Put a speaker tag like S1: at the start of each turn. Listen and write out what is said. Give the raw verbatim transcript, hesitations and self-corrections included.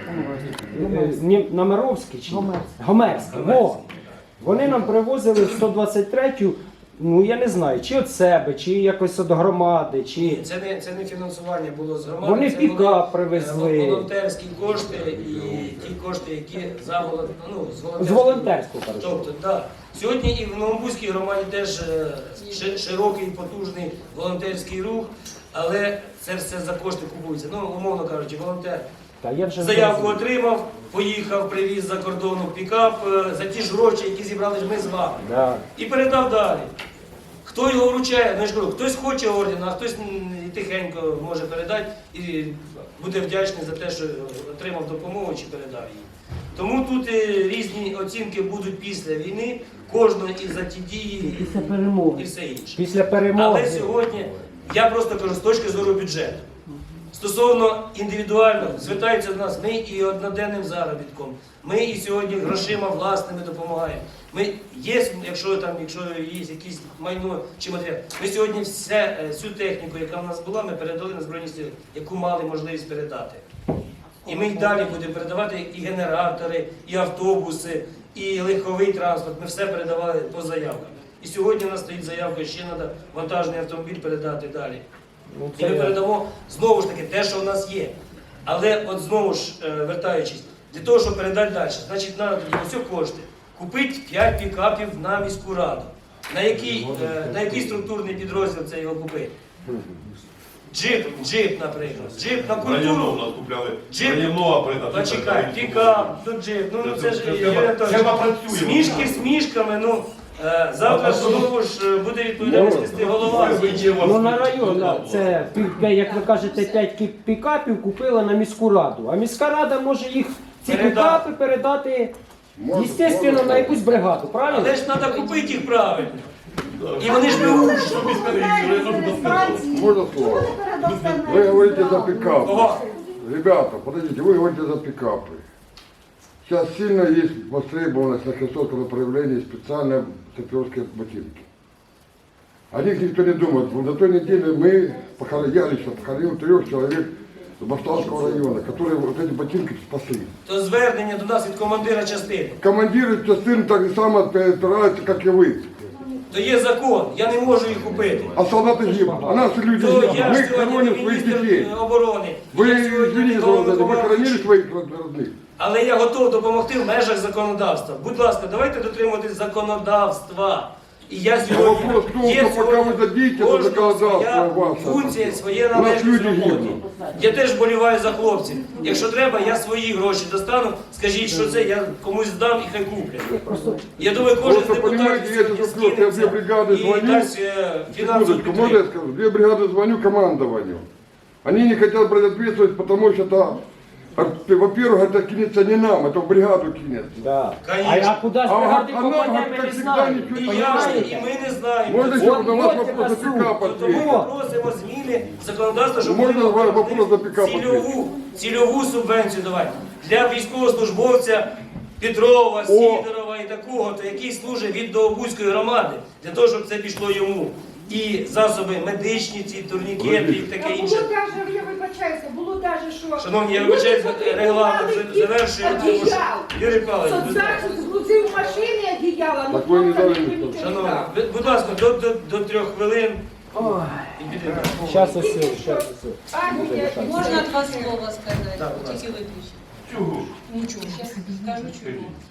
S1: Ні, Намировський чи Гомерський. Во. Вони нам привозили в сто двадцять третю, ну я не знаю, чи від себе, чи якось від громади, чи...
S2: Ні, це не, це не фінансування було з громади.
S1: Вони
S2: це
S1: пікап
S2: були,
S1: привезли.
S2: е, волонтерські кошти і ті кошти, які за волон- ну, з волонтерського.
S1: З волонтерського, кажуть.
S2: Тобто, так. Сьогодні і в Новобузькій громаді теж е, ши- широкий, потужний волонтерський рух, але це все за кошти купується. Ну, умовно кажучи, волонтер
S1: Та я вже
S2: заявку
S1: зрозумів.
S2: отримав, поїхав, привіз за кордону пікап е, за ті ж гроші, які зібрали ж ми з вами.
S1: Да.
S2: І передав далі. Хто його вручає, ну я ж кажу, хтось хоче орден, а хтось м, і тихенько може передати і буде вдячний за те, що отримав допомогу чи передав її. Тому тут е, різні оцінки будуть після війни, кожного і за ті дії,
S3: Після перемоги.
S2: і все інше.
S1: Після перемоги.
S2: Але сьогодні, я просто кажу, з точки зору бюджету, стосовно індивідуально, звертаються до нас, ми і одноденним заробітком, ми і сьогодні грошима власними допомагаємо. Ми є, якщо там, якщо є якісь майно чи матеріал, ми сьогодні все, е, всю техніку, яка в нас була, ми передали на Збройні Сили, яку мали можливість передати. І ми й далі будемо передавати і генератори, і автобуси, і легковий транспорт. Ми все передавали по заявкам. І сьогодні у нас стоїть заявка, ще треба вантажний автомобіль передати далі.
S1: Ну,
S2: І
S1: це
S2: ми
S1: я-
S2: передамо знову ж таки те, що в нас є. Але от знову ж е, вертаючись, для того, щоб передати далі, значить, треба тоді ось кошти. Купити п'ять пікапів на міську раду. На який, е, на який структурний підрозділ це його купити? Джип, джип, наприклад. Джип на
S4: Району у
S2: культуру.
S4: нас купляли.
S2: Джип.
S4: Районова придати.
S2: Почекай, пікап, ну джип, ну це ж
S4: Це
S2: Юрій
S4: треба-
S2: Анатолійович,
S4: треба працює.
S2: смішки смішками, ну е, завтра ж знову ж е, буде відповідальність нести голова.
S1: Ну на район, да, це, пі- як ви кажете, п'ять кі- пікапів купила на міську раду. А міська рада може їх, ці
S2: Передати.
S1: пікапи передати, естественно, на якусь бригаду, правильно?
S2: Але ж треба купити їх правильно. І вони ж беруть.
S5: Можно слово? Вы говорите за пикап.
S2: Кого?
S5: Ребята, подождите, вы говорите за пикапы. Сейчас сильно есть востребованность на Херсонском направлении специальные саперские ботинки. О них никто не думает. Вот на той неделе мы похоронили, я лично похоронил трех человек с Баштанского района, которые вот эти ботинки спасли.
S2: То звернення до нас від командира частини.
S5: Командиры частин так же само опираются, как и вы.
S2: То є закон, я не можу їх купити.
S5: А солдаты гибнут, а наши люди
S2: То
S5: гибнут.
S2: я
S5: Мы
S2: ж сьогодні не
S5: хороним своих детей.
S2: міністр оборони.
S5: Вы,
S2: Я сьогодні
S5: извините,
S2: не
S5: за это, вы
S2: головнокомандуючий.
S5: хоронили своих родных?
S2: Але я готов допомогти в межах законодавства. Будь ласка, давайте дотримуватись законодавства. І я сьогодні,
S5: Вопрос в том,
S2: є
S5: что пока
S2: сьогодні
S5: вы дадите это
S2: кожного
S5: законодавство
S2: своя
S5: ваше,
S2: функція, своє
S5: у нас
S2: належність
S5: люди
S2: роботи.
S5: гибнуть.
S2: Я теж боліваю за хлопців. Якщо треба, я свої гроші достану, скажіть, що це, я комусь здам і хай куплять. Я думаю, кожен з
S5: Просто,
S2: депутатів
S5: понимаете, я
S2: сьогодні
S5: сейчас я две бригады
S2: і
S5: звоню.
S2: дасть е, фінансову
S5: Секундочку, можно я
S2: підтримку.
S5: скажу? Две бригады звоню командованию. Они не хотят брать ответственность, потому что это, а, во-первых, это кинется не нам, это в бригаду кинется.
S1: Да. А,
S2: Конечно.
S1: а куди з
S5: А,
S1: бригади
S5: а нам,
S1: попаде,
S5: как
S1: ми не
S5: всегда,
S1: знаємо.
S5: ничего
S2: І
S5: не
S2: я ж, і
S1: Понимаете?
S2: ми не знаємо.
S5: Можно еще
S1: Вот,
S5: на ваш
S1: вот
S5: вопрос
S1: это
S5: за пикап
S2: Тому
S5: ответить?
S2: ми просимо зміни законодавства, щоб
S5: Можна
S2: ми
S5: вам вопрос за пікап
S2: цільову, цільову субвенцію давати для військовослужбовця Петрова, Сідорова і такого, то який служить від Довбузької громади, для того, щоб це пішло йому. І засоби медичні, ці турнікети і таке
S6: Було
S2: інше.
S6: даже, я вибачаюся, було даже, що...
S2: Шановні, я вибачаюсь, регламент завершую.
S6: Одіял.
S2: Юрій Павлович, будь ласка.
S6: Соцзахист згрузив в машині одіяла, ну
S5: Так ви не
S6: просто
S5: дали
S6: ніхто
S5: ніхто.
S6: нічого не
S2: Шановні,
S6: дав.
S2: ви- будь ласка, до, до, до трьох хвилин.
S1: Ой,
S2: І підемо.
S1: щас ось, щас ось.
S6: Агнія,
S7: Можна два слова сказати,
S2: Так, будь ласка.
S7: тільки виключити.
S4: Чого?
S7: Нічого, зараз скажу чого.